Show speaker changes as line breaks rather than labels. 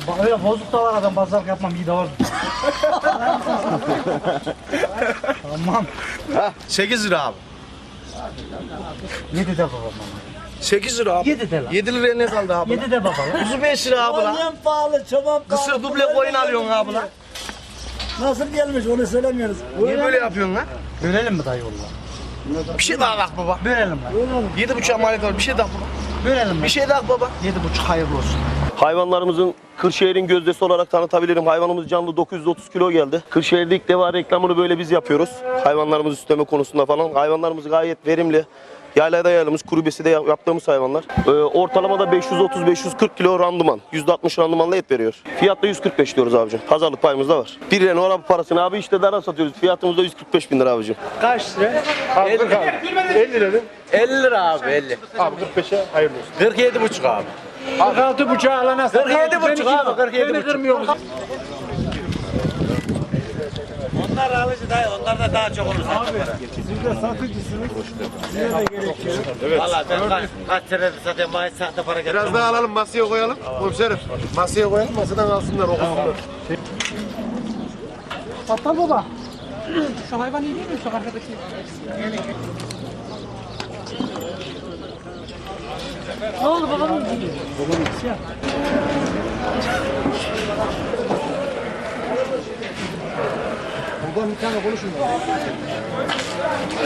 Öyle bozuk da var adam pazarlık yapmam iyi de var. Tamam.
8 lira abi.
7 de babam.
8 lira abi.
7 de lan.
7 liraya ne kaldı abi?
7 de baba.
Kuzu 5 lira abi lan.
En pahalı çoban pahalı.
Kısır duble koyun alıyorsun abi lan.
Nasıl gelmiş onu söylemiyoruz.
Niye böyle yapıyorsun lan?
Bölelim mi dayı valla?
Bir şey daha bak baba.
Bölelim lan.
7,5 maliyet var. Bir şey daha baba.
Bölelim
Bir
lan.
şey daha baba.
7,5 hayırlı olsun.
Hayvanlarımızın Kırşehir'in gözdesi olarak tanıtabilirim. Hayvanımız canlı 930 kilo geldi. Kırşehir'de ilk defa reklamını böyle biz yapıyoruz. Hayvanlarımızı süsleme konusunda falan. Hayvanlarımız gayet verimli. Yaylada yaylımız, kurubesi de yaptığımız hayvanlar. Ortalamada 530-540 kilo randıman. %60 randımanla et veriyor. Fiyatta 145 diyoruz abicim. Pazarlık payımız da var. Bir Renault parasını abi işte dara satıyoruz. Fiyatımız da 145 bin lira abicim.
Kaç lira? 50 lira. 50 lira abi 50.
Abi 45'e hayırlı olsun.
47,5 abi.
46 buçuğa alana
47,5 abi 47,5.
Beni kırmıyor musun?
Onlar alıcı dayı, onlar da daha çok olur. Abi
Siz de satıcısınız. Size de gerekiyor.
valla ben kaç senedir zaten maaş sahte para getirdim.
Biraz daha alalım masaya koyalım. Komiserim masaya koyalım masadan alsınlar okusunlar.
Battal baba. Şu hayvan iyi değil mi? Şu arkadaki. Ne oldu babam?
Buradan bir tane konuşun.